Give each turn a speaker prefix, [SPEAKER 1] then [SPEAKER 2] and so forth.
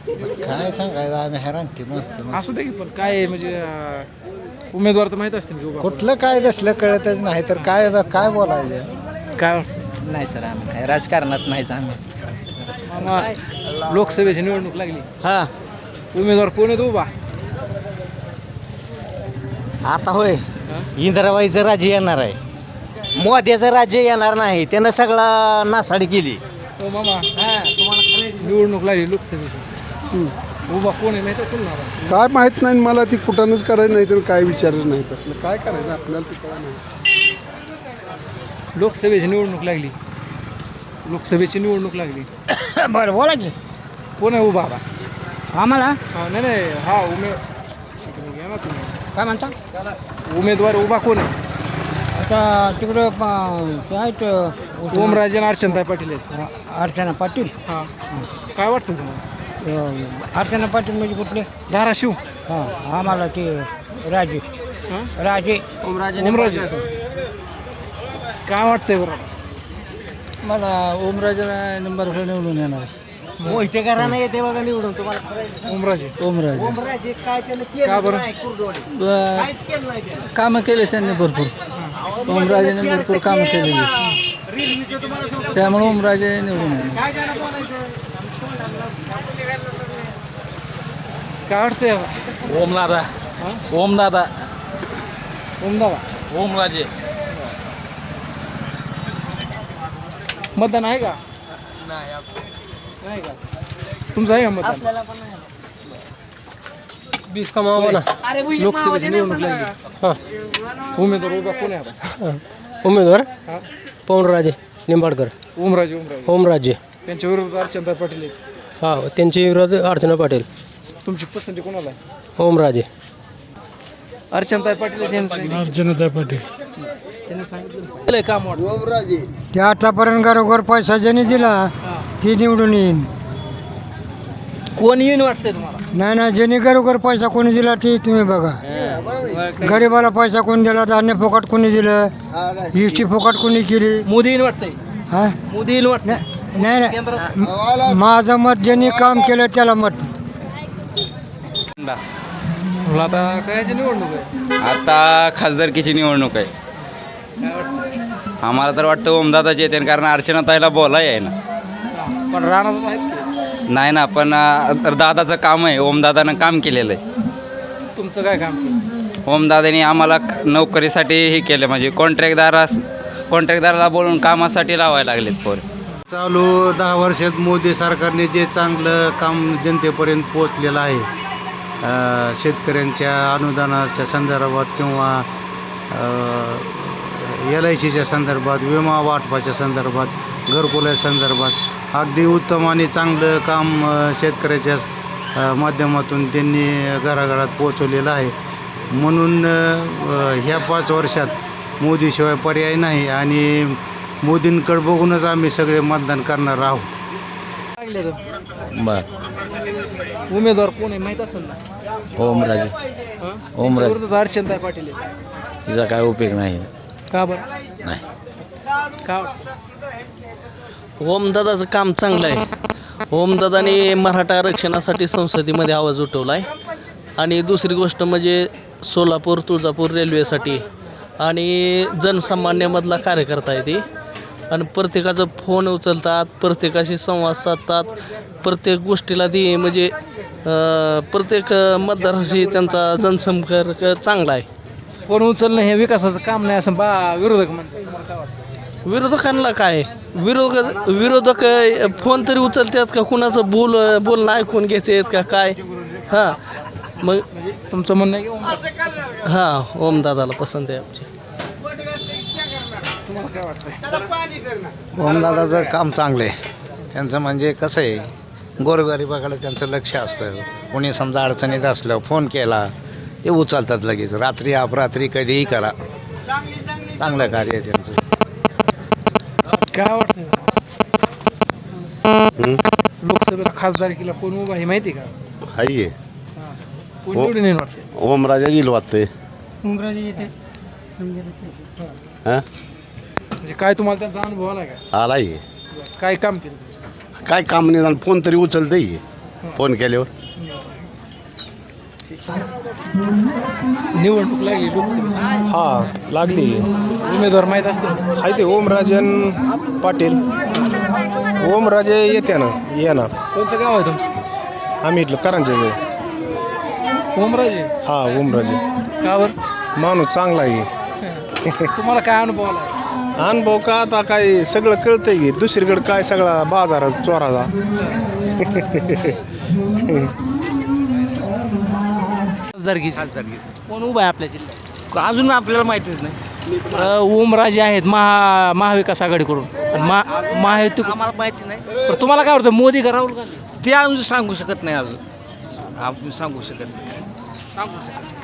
[SPEAKER 1] काय सांगायचं आम्ही हैराण की माणसं
[SPEAKER 2] असू दे की पण काय म्हणजे उमेदवार तर माहित असतील की उभा
[SPEAKER 1] कुठलं काय दिसलं कळतच नाही तर काय काय बोलायचं
[SPEAKER 2] काय
[SPEAKER 1] नाही सर आम्ही नाही राजकारणात नाहीच आम्ही
[SPEAKER 2] मामा लोकसभेची निवडणूक लागली
[SPEAKER 1] हा
[SPEAKER 2] उमेदवार कोण आहेत उभा
[SPEAKER 1] आता होय
[SPEAKER 2] हा?
[SPEAKER 1] इंदिराबाईचं राज्य येणार आहे मोद्याचं राज्य येणार नाही त्यानं सगळा नासाडी केली
[SPEAKER 2] हो मामा निवडणूक लागली लोकसभेची उभा कोण आहे माहित असेल ना आता?
[SPEAKER 3] काय माहीत नाही मला ती कुठंच करायचं नाही तर काय विचारलं नाही तसलं काय करायचं आपल्याला ते कळलं नाही.
[SPEAKER 2] लोकसभेची निवडणूक लागली लोकसभेची निवडणूक लागली
[SPEAKER 1] बरं बोला की
[SPEAKER 2] कोण आहे उभा आता
[SPEAKER 1] आम्हाला
[SPEAKER 2] हा नाही नाही हा घ्या ना तुम्ही
[SPEAKER 1] काय म्हणता
[SPEAKER 2] उमेदवार उभा कोण आहे
[SPEAKER 1] आता तिकडं आहेत
[SPEAKER 2] ओमराजे आणि अर्चनताई पाटील आहेत
[SPEAKER 1] अर्चना पाटील
[SPEAKER 2] हा काय वाटतं तुम्हाला
[SPEAKER 1] अर्चना पाटील म्हणजे कुठले
[SPEAKER 2] धाराशिव
[SPEAKER 1] हां आम्हाला ते राजे
[SPEAKER 2] हा?
[SPEAKER 1] राजे
[SPEAKER 2] ओमराजे काय वाटतंय बरं
[SPEAKER 1] मला ओमराजेला नंबर निवडून येणार मोहिते घराणं येते बघा निवडून तुम्हाला
[SPEAKER 2] ओमराजे
[SPEAKER 1] ओमराजे ओमराजे काय
[SPEAKER 2] का बरं
[SPEAKER 1] कामं केले त्यांनी भरपूर ओमराजेने भरपूर कामं केलेली त्यामुळे ओमराजे निवडून येणार
[SPEAKER 2] काय वाटतंय
[SPEAKER 1] ओमदादा
[SPEAKER 2] हा?
[SPEAKER 1] ओमदादा
[SPEAKER 2] ओमदादा
[SPEAKER 1] ओमराजे
[SPEAKER 2] मतदान आहे का नाही का तुमचं आहे का मतदान लोकसभेची निवडणूक लागली उमेदवार उभा कोण आहे आता
[SPEAKER 1] उमेदवार
[SPEAKER 2] हा?
[SPEAKER 1] पवनराजे निंबाडकर
[SPEAKER 2] ओमराजे
[SPEAKER 1] ओमराजे
[SPEAKER 2] त्यांच्या विरोधात अर्चनताई पाटील आहेत
[SPEAKER 1] हा त्यांचे विरोध अर्चना पाटील
[SPEAKER 2] तुमची पसंती कोणाला आहे
[SPEAKER 1] ओमराजे
[SPEAKER 2] अर्चनताई पाटील
[SPEAKER 1] अर्चनाताई पाटील
[SPEAKER 2] त्यांनी सांगितलं काम वाटतं
[SPEAKER 1] ते आतापर्यंत घरोघर पैसा ज्याने दिला ती निवडून येईन
[SPEAKER 2] कोण येऊन वाटतंय तुम्हाला
[SPEAKER 1] नाही ना ज्याने घरोघर पैसा कोणी दिला ते तुम्ही बघा गरीबाला पैसा कोणी दिला धान्य फुकट कोणी दिलं इष्टी फुकट कोणी केली
[SPEAKER 2] मोदी येऊन वाटतंय
[SPEAKER 1] हा
[SPEAKER 2] मोदी येऊन वाटतंय
[SPEAKER 1] नाही नाही माझं मत ज्यांनी काम केलं त्याला मत
[SPEAKER 2] आता कायची निवडणूक आहे
[SPEAKER 4] आता खासदारकीची निवडणूक आहे
[SPEAKER 2] काय वाटतं
[SPEAKER 4] आम्हाला तर वाटतं ओमदादाची येते कारण अर्चनाताईला बोलाय आहे ना
[SPEAKER 2] पण राहणार आहेत की
[SPEAKER 4] नाही ना पण दादाचं काम आहे ओमदादानं काम केलेलं आहे
[SPEAKER 2] तुमचं काय काम केलं
[SPEAKER 4] ओमदादानी आम्हाला नोकरीसाठी हे केलं म्हणजे कॉन्ट्रॅक्टदाराला बोलून कामासाठी लावायला लागलेत पोर
[SPEAKER 5] चालू 10 वर्षात मोदी सरकारने जे चांगलं काम जनतेपर्यंत पोचलेलं आहे शेतकऱ्यांच्या अनुदानाच्या संदर्भात किंवा LICच्या संदर्भात विमा वाटपाच्या संदर्भात घरकुलाच्या संदर्भात अगदी उत्तम आणि चांगलं काम शेतकऱ्याच्या माध्यमातून त्यांनी घराघरात पोचवलेलं आहे म्हणून ह्या 5 वर्षात मोदीशिवाय पर्याय नाही आणि मोदींकडे बघूनच आम्ही सगळे मतदान करणार आहोत
[SPEAKER 2] उमेदवार कोण आहे माहित असेल ना
[SPEAKER 1] ओमराजे
[SPEAKER 2] हा?
[SPEAKER 1] ओमराजे.
[SPEAKER 2] त्यांच्या विरोधात अर्चनताई पाटील आहेत
[SPEAKER 1] तिचा काय उपयोग नाही
[SPEAKER 2] का बरं
[SPEAKER 1] नाही
[SPEAKER 2] का वाटतं
[SPEAKER 6] ओमदादाचं काम चांगलं आहे ओमदादाने मराठा आरक्षणासाठी संसदेमध्ये आवाज उठवला आहे आणि दुसरी गोष्ट म्हणजे सोलापूर तुळजापूर रेल्वेसाठी आणि जनसामान्यामधला कार्यकर्ता आहे ते आणि प्रत्येकाचं फोन उचलतात प्रत्येकाशी संवाद साधतात प्रत्येक गोष्टीला ती म्हणजे प्रत्येक मतदाराशी त्यांचा जनसंपर्क चांगला आहे
[SPEAKER 2] फोन उचलणं हे विकासाचं काम नाही असं विरोधक म्हणतात तुम्हाला काय वाटतं
[SPEAKER 6] विरोधकांना काय विरोधक फोन तरी उचलतात का कुणाचं बोलणं ऐकून घेतात का काय हां मग
[SPEAKER 2] म्हणजे तुमचं म्हणणं आहे की ओमराजे?
[SPEAKER 6] हां ओमदादाला पसंत आहे आमची
[SPEAKER 2] तुम्हाला काय वाटतंय
[SPEAKER 5] ओमदादाचं काम चांगलं आहे त्यांचं म्हणजे कसं आहे गोरगरिबाकडे त्यांचं लक्ष असतं कोणी समजा अडचणीत असलं फोन केला ते उचलतात लगेच रात्री अपरात्री कधीही करा चांगलं कार्य आहे त्यांचं
[SPEAKER 2] काय वाटतंय लोकसभेला खासदारकीला कोण उभा आहे माहिती आहे का
[SPEAKER 5] हाय
[SPEAKER 2] हा. कोण निवडून येईल वाटते
[SPEAKER 5] ओमराजा येईल वाटतंय
[SPEAKER 2] ओमराजे येते
[SPEAKER 5] हां
[SPEAKER 2] म्हणजे काय तुम्हाला त्यांचा अनुभव आला का
[SPEAKER 5] आलाय
[SPEAKER 2] काय काम केलं तुम्ही?
[SPEAKER 5] काय काम निदान फोन तरी उचलतंय फोन केल्यावर.
[SPEAKER 2] निवडणूक लागली लोकसभेची,
[SPEAKER 7] हा लागली
[SPEAKER 2] उमेदवार माहीत असतील.
[SPEAKER 7] आहे ते ओमराजन पाटील. ओमराजे येते ना येणार.
[SPEAKER 2] कोणचं गाव आहे तुमचं?
[SPEAKER 7] आम्ही इथलं करांच्याचं आहे.
[SPEAKER 2] ओमराजे.
[SPEAKER 7] हा ओमराजे
[SPEAKER 2] कावर
[SPEAKER 7] माणूस चांगला आहे.
[SPEAKER 2] तुम्हाला काय अनुभव आला?
[SPEAKER 7] अनुभव का आता काय सगळं कळतंय की दुसरीकडे काय सगळा बाजाराचा चोराचा.
[SPEAKER 2] खासदारकी कोण उभा आहे आपल्या जिल्ह्यात?
[SPEAKER 8] अजून आपल्याला माहितीच नाही.
[SPEAKER 2] ओमराजे आहेत महाविकास आघाडीकडून आणि महायुती.
[SPEAKER 8] आम्हाला माहिती नाही.
[SPEAKER 2] पण तुम्हाला काय वाटतं, मोदी का राहुल गांधी?
[SPEAKER 8] ते अजून सांगू शकत नाही. अजून आपण सांगू शकत नाही.